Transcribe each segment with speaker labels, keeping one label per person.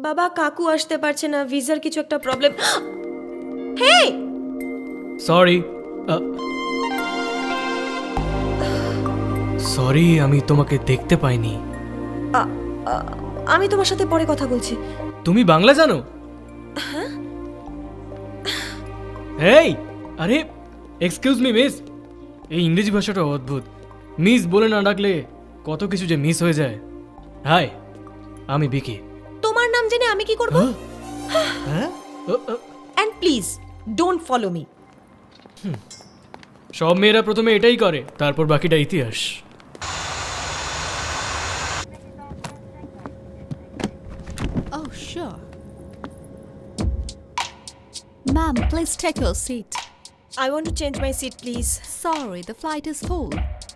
Speaker 1: বাবা কাকু আসতে পারছে না, ভিসার কিছু একটা প্রবলেম। হেই,
Speaker 2: সরি সরি, আমি তোমাকে দেখতে পাইনি।
Speaker 1: আমি তোমার সাথে পরে কথা বলছি।
Speaker 2: তুমি বাংলা জানো? এই আরে এক্সকিউজ মি মিস, এই ইংরেজি ভাষাটা অদ্ভুত। মিস বলে না ডাকলে কত কিছু যে মিস হয়ে যায়। হাই, আমি বিকি।
Speaker 1: তোমার নাম জেনে আমি কি করব?
Speaker 2: হ্যাঁ?
Speaker 1: And please don't follow me.
Speaker 2: সব মেয়েরা প্রথমে এটাই করে, তারপর বাকিটা ইতিহাস।
Speaker 3: Oh, sure. Ma'am, please take your seat.
Speaker 1: I want to change my seat please.
Speaker 3: Sorry, the flight is full.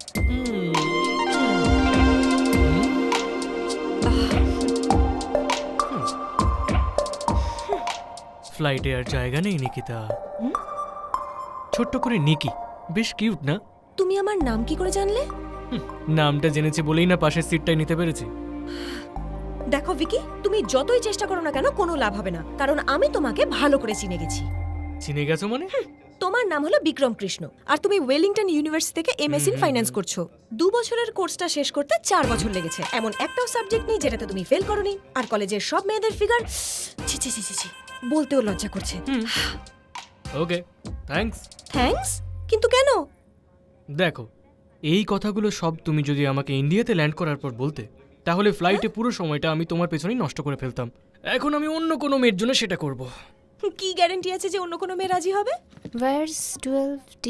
Speaker 2: ফ্লাইটে আর জায়গা নেই নিকিতা। ছোট্ট করে নিকি, বেশ কিউট না?
Speaker 1: তুমি আমার নাম কি করে জানলে?
Speaker 2: নামটা জেনেছি বলেই না পাশের সিটটাই নিতে পেরেছি।
Speaker 1: দেখো ভিকি, তুমি যতই চেষ্টা করো না কেন কোনো লাভ হবে না, কারণ আমি তোমাকে ভালো করে চিনে গেছি।
Speaker 2: চিনে গেছো মানে?
Speaker 1: তোমার নাম হলো বিক্রম কৃষ্ণ, আর তুমি ওয়েলিংটন ইউনিভার্সিটি থেকে এমএস ইন ফাইন্যান্স করছো। 2 বছরের কোর্সটা শেষ করতে 4 বছর লেগেছে। এমন একটাও সাবজেক্ট নেই যেটাতে তুমি ফেল করোনি। আর কলেজের সব মেয়েদের ফিগার ছি ছি ছি ছি ছি, বলতেও লজ্জা করছে।
Speaker 2: Okay, thanks.
Speaker 1: থ্যাঙ্কস? কিন্তু কেন?
Speaker 2: দেখো, এই কথাগুলো সব তুমি যদি আমাকে ইন্ডিয়াতে ল্যান্ড করার পর বলতে, তাহলে ফ্লাইটে পুরো সময়টা আমি তোমার পেছনেই নষ্ট করে ফেলতাম। এখন আমি অন্য কোনো মেয়ের জন্য সেটা করব।
Speaker 1: কি গ্যারান্টি আছে যে অন্য কোনো মেয়ে রাজি হবে?
Speaker 3: Where's 12D?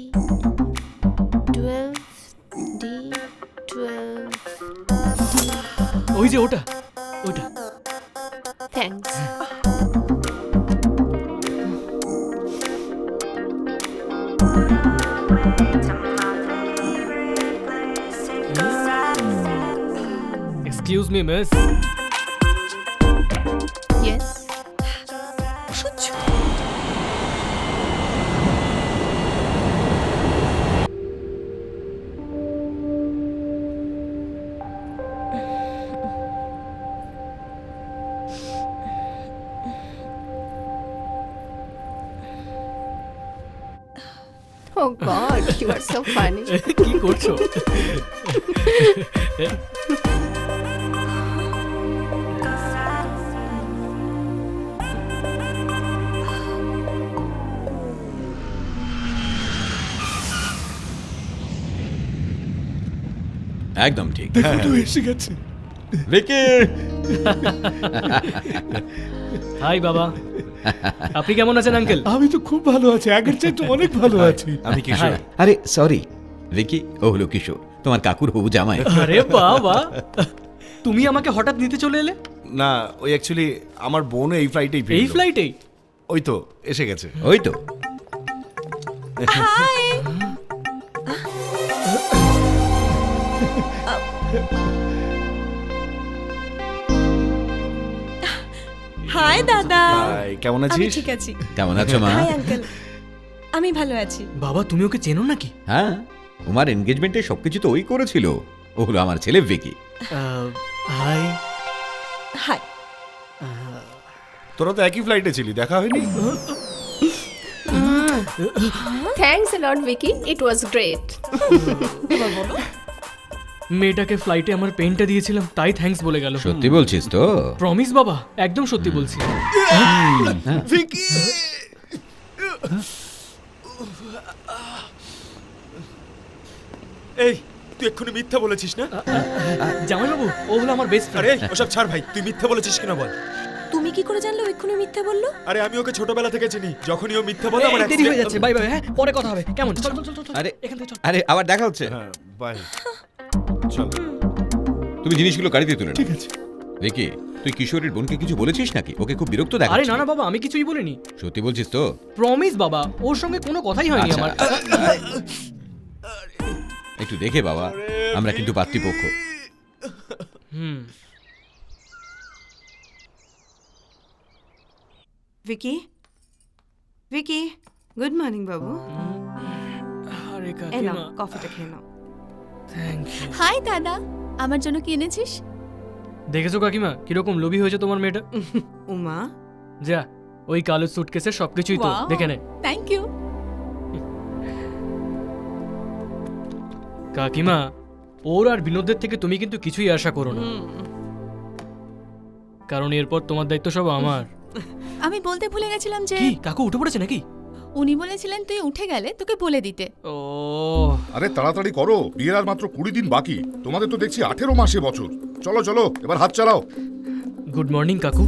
Speaker 3: 12D? 12.
Speaker 2: ওই যে ওটা, ওটা।
Speaker 3: Thanks.
Speaker 2: Excuse me miss.
Speaker 3: Yes.
Speaker 1: সহ্য।
Speaker 3: Oh God, you are so funny.
Speaker 2: কি করছো?
Speaker 4: একদম ঠিক।
Speaker 5: দেখো এসে গেছে।
Speaker 4: ভিকি,
Speaker 2: হাই বাবা, আপনি কেমন আছেন আঙ্কেল?
Speaker 5: আমি তো খুব ভালো আছি, আগের চাইতে অনেক ভালো আছি।
Speaker 4: আমি কিশোর। আরে সরি ভিকি, ও হলো কিশোর, তোমার কাকুর হবু জামাই।
Speaker 2: আরে বাবা, তুমি আমাকে হঠাৎ নিতে চলে এলে?
Speaker 6: না, ওই অ্যাকচুয়ালি আমার বোন এই ফ্লাইটেই
Speaker 2: এই ফ্লাইটেই?
Speaker 6: ওই তো এসে গেছে।
Speaker 4: ওই তো।
Speaker 1: হাই। হাই দাদা।
Speaker 6: হাই, কেমন
Speaker 1: আমি
Speaker 6: আছিস?
Speaker 1: ঠিক আছি।
Speaker 4: কেমন আছো মা?
Speaker 1: হাই আঙ্কেল, আমি ভালো আছি।
Speaker 2: বাবা, তুমি ওকে চেনো নাকি?
Speaker 4: হ্যাঁ, তোমার এনগেজমেন্টে সবকিছু তো ওই করেছিল। ও হলো আমার ছেলে ভিকি।
Speaker 2: হাই।
Speaker 1: হাই।
Speaker 6: তোরা তো একই ফ্লাইটে ছিলি, দেখা হয়নি?
Speaker 3: Thanks a lot, Vicky. It was great.
Speaker 2: মেয়েটাকে ফ্লাইটে আমার পেনটা দিয়েছিলাম, তাই থ্যাঙ্কস বলে গেল।
Speaker 4: সত্যি বলছিস তো?
Speaker 2: প্রমিস বাবা, একদম সত্যি বলছি।
Speaker 6: ভিকি! এই, তুই এক্ষুনি মিথ্যা বলেছিস না?
Speaker 2: জামাইবাবু, ও হলো আমার বেস্ট
Speaker 6: আরে
Speaker 2: ফ্রেন্ড।
Speaker 6: ওসব ছাড় ভাই, তুই মিথ্যা বলেছিস কিনা বল।
Speaker 1: তুমি কি করে জানলে ও এক্ষুনি মিথ্যে বললো?
Speaker 6: আরে আমি ওকে ছোটবেলা থেকে চিনি, যখনই ও মিথ্যা বলে আমার
Speaker 2: দেরি হয়ে
Speaker 6: accident-
Speaker 2: যাচ্ছে, বাই বাই। হ্যাঁ, পরে কথা হবে, কেমন? চল চল চল চল,
Speaker 4: আরে
Speaker 2: এখান থেকে চল।
Speaker 4: আরে আবার দেখা হচ্ছে।
Speaker 6: হ্যাঁ, বাই। চল।
Speaker 4: তুমি জিনিসগুলো গাড়িতে তুলে নাও।
Speaker 5: ঠিক আছে।
Speaker 4: ভিকি, তুই কিশোরের বোনকে কিছু বলেছিস নাকি? ওকে খুব বিরক্ত
Speaker 2: আরে
Speaker 4: দেখাচ্ছে।
Speaker 2: না না বাবা, আমি কিছুই বলিনি।
Speaker 4: সত্যি বলছিস তো?
Speaker 2: প্রমিস বাবা, ওর সঙ্গে কোনো কথাই হয়নি
Speaker 4: আচ্ছা।
Speaker 2: আমার।
Speaker 4: একটু দেখে বাবা, আমরা কিন্তু পাত্রীপক্ষ।
Speaker 2: হুম।
Speaker 7: विकी विकी गुड मॉर्निंग बाबू
Speaker 2: আরে
Speaker 7: এই নাও
Speaker 2: কাকিমা,
Speaker 7: কফিটা খেয়ে নাও।
Speaker 2: Thank you.
Speaker 3: হাই দাদা, আমার জন্য কি এনেছিস?
Speaker 2: দেখেছো কাকিমা কিরকম লোভী হয়েছে তোমার মেয়েটা?
Speaker 7: উমা
Speaker 2: যা, ওই কালো সুটকেসের সবকিছুই তো,
Speaker 3: Wow.
Speaker 2: দেখে নে।
Speaker 3: Thank you.
Speaker 2: কাকিমা, ওর আর বিনোদের থেকে তুমি কিন্তু কিছুই আশা করো না, কারণ এরপর তোমার দায়িত্ব সব আমার।
Speaker 8: আমি বলতে ভুলে গেছিলাম যে
Speaker 2: কি কাকু উঠে পড়েছে নাকি?
Speaker 8: উনি বলেছিলেন তুই উঠে গেলে তোকে বলে দিতে।
Speaker 2: ও
Speaker 5: আরে তাড়াতাড়ি করো, বিয়ের আর মাত্র 20 দিন বাকি। তোমাদের তো দেখছি 18 মাসে বছর। চলো চলো, এবার হাত চালাও।
Speaker 2: গুড মর্নিং কাকু।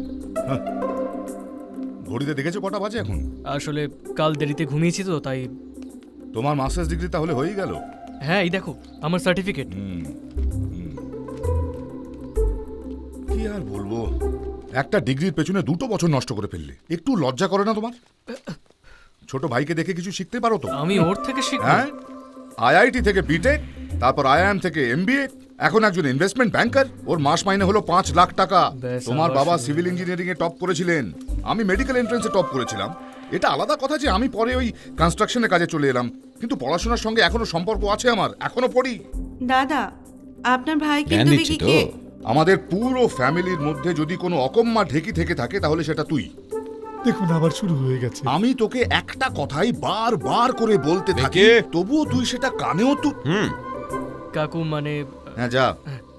Speaker 5: ঘড়িতে দেখেছো কটা বাজে এখন?
Speaker 2: আসলে কাল দেরিতে ঘুমিয়েছি তো তাই।
Speaker 5: তোমার মাস্টার্স ডিগ্রি তাহলে হয়েই গেল?
Speaker 2: হ্যাঁ, এই দেখো আমার সার্টিফিকেট।
Speaker 5: কি আর বলবো, একটা ডিগ্রির পেছনে 2 বছর নষ্ট করে ফেললে। একটু লজ্জা করে না তোমার? ছোট ভাইকে দেখে কিছু শিখতে পারো তো।
Speaker 2: আমি ওর থেকে শিখবো?
Speaker 5: হ্যাঁ, আইআইটি থেকে বিটেক, তারপর আইআইএম থেকে এমবিএ, এখন একজন ইনভেস্টমেন্ট ব্যাংকার। ওর মাস মাইনে হলো 5 লাখ টাকা।
Speaker 2: ব্যাস,
Speaker 5: তোমার
Speaker 2: আবার
Speaker 5: বাবা
Speaker 2: শুরু।
Speaker 5: সিভিল ইঞ্জিনিয়ারিং এ টপ করেছিলেন, আমি মেডিকেল এন্ট্রান্সে টপ করেছিলাম। এটা আলাদা কথা যে আমি পরে ওই কনস্ট্রাকশনের কাজে চলে এলাম, কিন্তু পড়াশোনার সঙ্গে এখনো সম্পর্ক আছে আমার, এখনো পড়ি।
Speaker 7: দাদা আপনার ভাই
Speaker 4: জ্ঞান
Speaker 7: কিন্তু
Speaker 4: দিচ্ছি তো।
Speaker 7: বিকিকে
Speaker 5: আমাদের পুরো ফ্যামিলির মধ্যে যদি কোনো অকম্মা ঢেকি থেকে থাকে তাহলে সেটা তুই।
Speaker 9: দেখুন আবার শুরু হয়ে গেছে।
Speaker 5: আমি তোকে একটা কথাই বারবার করে বলতে থাকি,
Speaker 4: দেখে।
Speaker 5: তবুও তুই সেটা কানেও তুই।
Speaker 2: কাকু মানে
Speaker 5: হ্যাঁ যা।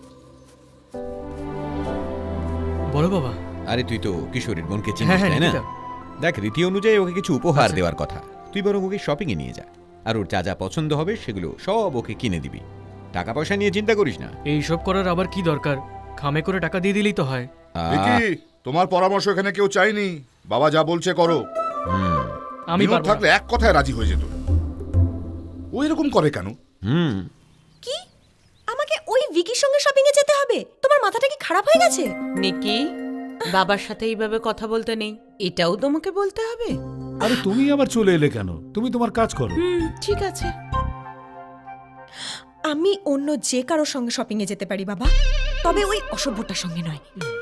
Speaker 2: বলো বাবা।
Speaker 4: আরে তুই তো কিশোরীর বোনকে চিনিস,
Speaker 2: হ্যাঁ, হ্যাঁ,
Speaker 4: তাই না?
Speaker 2: নিকিতা।
Speaker 4: দেখ, রীতি অনুযায়ী ওকে কিছু উপহার
Speaker 2: আচ্ছা।
Speaker 4: দেওয়ার কথা। তুই বরং ওকে শপিং এ নিয়ে যা, আর ওর যা যা পছন্দ হবে সেগুলো সব ওকে কিনে দিবি। টাকা পয়সা নিয়ে চিন্তা করিস না।
Speaker 2: এইসব করার আবার কি দরকার? খামে করে টাকা দিয়ে দিলেই তো হয়।
Speaker 5: দেখি, তোমার পরামর্শ এখানে কেউ চাইনি। বাবা যা বলছে করো।
Speaker 2: আমি
Speaker 5: বিনোদ
Speaker 2: পারবো না।
Speaker 5: থাকলে এক কথায় রাজি হয়ে যেত। ও এরকম করে কেন?
Speaker 1: কি আমাকে ওই ভিকির সঙ্গে শপিং এ যেতে হবে? তোমার মাথাটা কি খারাপ হয়ে গেছে?
Speaker 10: নিকি, বাবার সাথে এইভাবে কথা বলতে নেই, এটাও তোমাকে বলতে হবে?
Speaker 9: আরে তুমি আবার চলে এলে কেন? তুমি তোমার কাজ করো।
Speaker 10: ঠিক আছে।
Speaker 1: আমি অন্য যে কারোর সঙ্গে শপিং এ যেতে পারি বাবা, তবে ওই অসভ্যটার সঙ্গে নয়।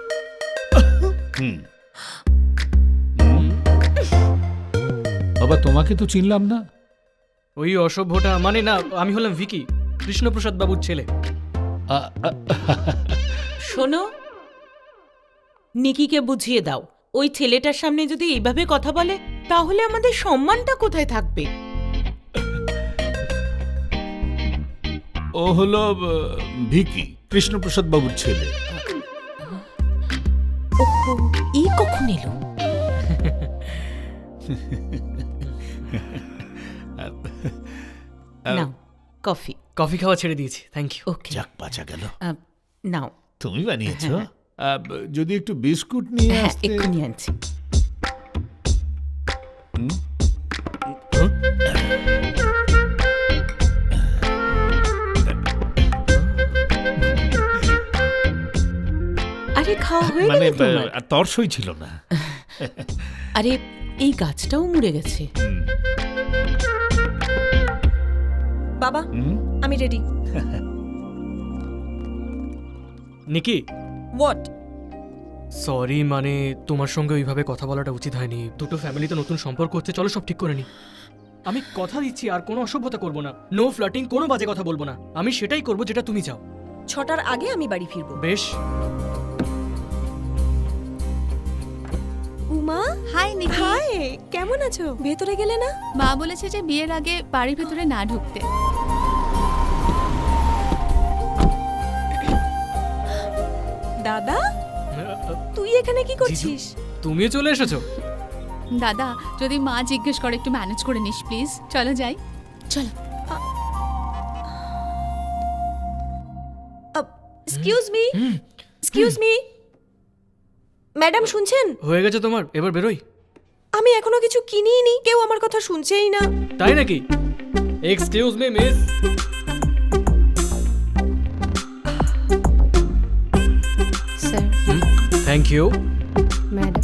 Speaker 9: বাবা তোমাকে তো চিনলাম না।
Speaker 2: ওই অসভ্যটা মানে না, আমি হলাম ভিকি, কৃষ্ণপ্রসাদ বাবুর ছেলে।
Speaker 10: শোনো, নিকিকে বুঝিয়ে দাও, ওই ছেলেটার সামনে যদি এইভাবে কথা বলে তাহলে আমাদের সম্মানটা কোথায় থাকবে?
Speaker 9: ও হলো ভিকি, কৃষ্ণপ্রসাদ বাবুর ছেলে।
Speaker 1: ওহো, এই কখন এলো?
Speaker 10: নাও কফি।
Speaker 2: কফি খাওয়া ছেড়ে দিয়েছি, থ্যাংক ইউ।
Speaker 10: ওকে,
Speaker 9: যাক বাঁচা গেল।
Speaker 10: নাও।
Speaker 9: তুমি বানিয়েছো? যদি একটু বিস্কুট নিয়ে
Speaker 10: হ্যাঁ,
Speaker 9: আসতে।
Speaker 10: এক্ষুনি আনছি। আরে খাওয়া হয়ে
Speaker 9: মানে
Speaker 10: গেল তোমার?
Speaker 9: তরসই ছিল না।
Speaker 10: আরে এই গাছটাও মরে গেছে।
Speaker 1: বাবা আমি রেডি।
Speaker 2: Nikki,
Speaker 1: what?
Speaker 2: সরি, মানে তোমার সঙ্গে ওইভাবে কথা বলাটা উচিত হয়নি। দুটো ফ্যামিলিতে নতুন সম্পর্ক হচ্ছে, চলো সব ঠিক করে নি। আমি কথা দিচ্ছি আর কোনো অসভ্যতা করবো না, নো ফ্লার্টিং, কোনো বাজে কথা বলবো না। আমি সেটাই করবো যেটা তুমি চাও।
Speaker 1: 6টার আগে আমি বাড়ি ফিরবো।
Speaker 2: বেশ।
Speaker 1: উমা,
Speaker 8: হাই নিকি।
Speaker 1: হাই, কেমন আছো? ভেতরে গেলে না?
Speaker 8: মা বলেছে যে বিয়ের আগে বাড়ির ভেতরে না ঢুকতে।
Speaker 1: দাদা, তুই এখানে কি করছিস?
Speaker 2: তুমিও চলে এসেছো?
Speaker 8: দাদা যদি মা জিজ্ঞেস করে একটু ম্যানেজ করে নিস প্লিজ। চলো যাই। চলো।
Speaker 1: Excuse me, excuse me, madam শুনছেন?
Speaker 2: হয়ে গেছে তোমার, এবার বেরোই।
Speaker 1: আমি এখনো কিছু কিনিই নি, কেউ আমার কথা শুনছেই না।
Speaker 2: তাই নাকি? Excuse me miss.
Speaker 3: Sir,
Speaker 2: thank you.
Speaker 3: Madam.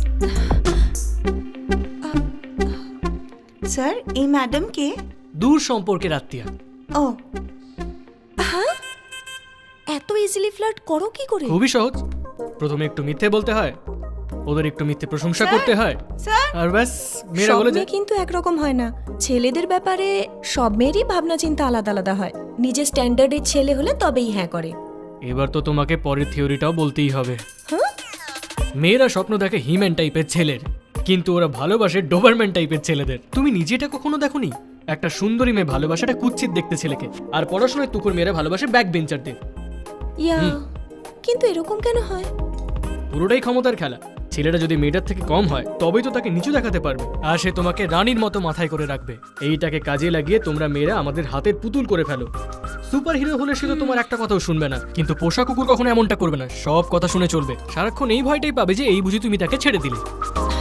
Speaker 7: Sir এই ম্যাডাম কে?
Speaker 2: দূর সম্পর্কের আত্মীয়া।
Speaker 7: ও
Speaker 1: হ্যাঁ, এত ইজিলি ফ্লার্ট করো কি করে?
Speaker 2: খুবই সহজ। প্রথমে একটু মিথ্যে বলতে হয়, ওদের একটু মিথ্যে প্রশংসা করতে হয়,
Speaker 7: স্যার
Speaker 2: আর ব্যাস মেয়েরা
Speaker 1: সব
Speaker 2: বলে
Speaker 1: মেয়ে
Speaker 2: যায়।
Speaker 1: কিন্তু একরকম হয় না। ছেলেদের ব্যাপারে সব মেয়েরই ভাবনা চিন্তা আলাদা আলাদা হয়। নিজের স্ট্যান্ডার্ডের ছেলে হলে তবেই হ্যাঁ করে।
Speaker 2: এবার তো তোমাকে পরের থিওরিটাও বলতেই হবে। মেয়েরা স্বপ্ন দেখে হিম্যান টাইপের ছেলের, কিন্তু ওরা ভালোবাসে ডোবারম্যান টাইপের ছেলেদের। তুমি নিজেটা কখনো দেখোনি? একটা সুন্দরী মেয়ে ভালোবাসাটা কুৎসিত দেখতে ছেলেকে, আর পড়াশোনায় তুকুর মেয়েরা ভালোবাসে ব্যাক বেঞ্চারদের।
Speaker 1: ইয়া, কিন্তু এরকম কেন হয়?
Speaker 2: পুরোটাই ক্ষমতার খেলা। ছেলেটা যদি মেয়েটার থেকে কম হয় তবেই তো তাকে নিচু দেখাতে পারবে, আর সে তোমাকে রানীর মতো মাথায় করে রাখবে। এইটাকে কাজে লাগিয়ে তোমরা মেয়েরা আমাদের হাতের পুতুল করে ফেলো। সুপার হিরো হলে সে তো তোমার একটা কথাও শুনবে না, কিন্তু পোষা কুকুর কখনো এমনটা করবে না, সব কথা শুনে চলবে। সারাক্ষণ এই ভয়টাই পাবে যে এই বুঝি তুমি তাকে ছেড়ে দিলে।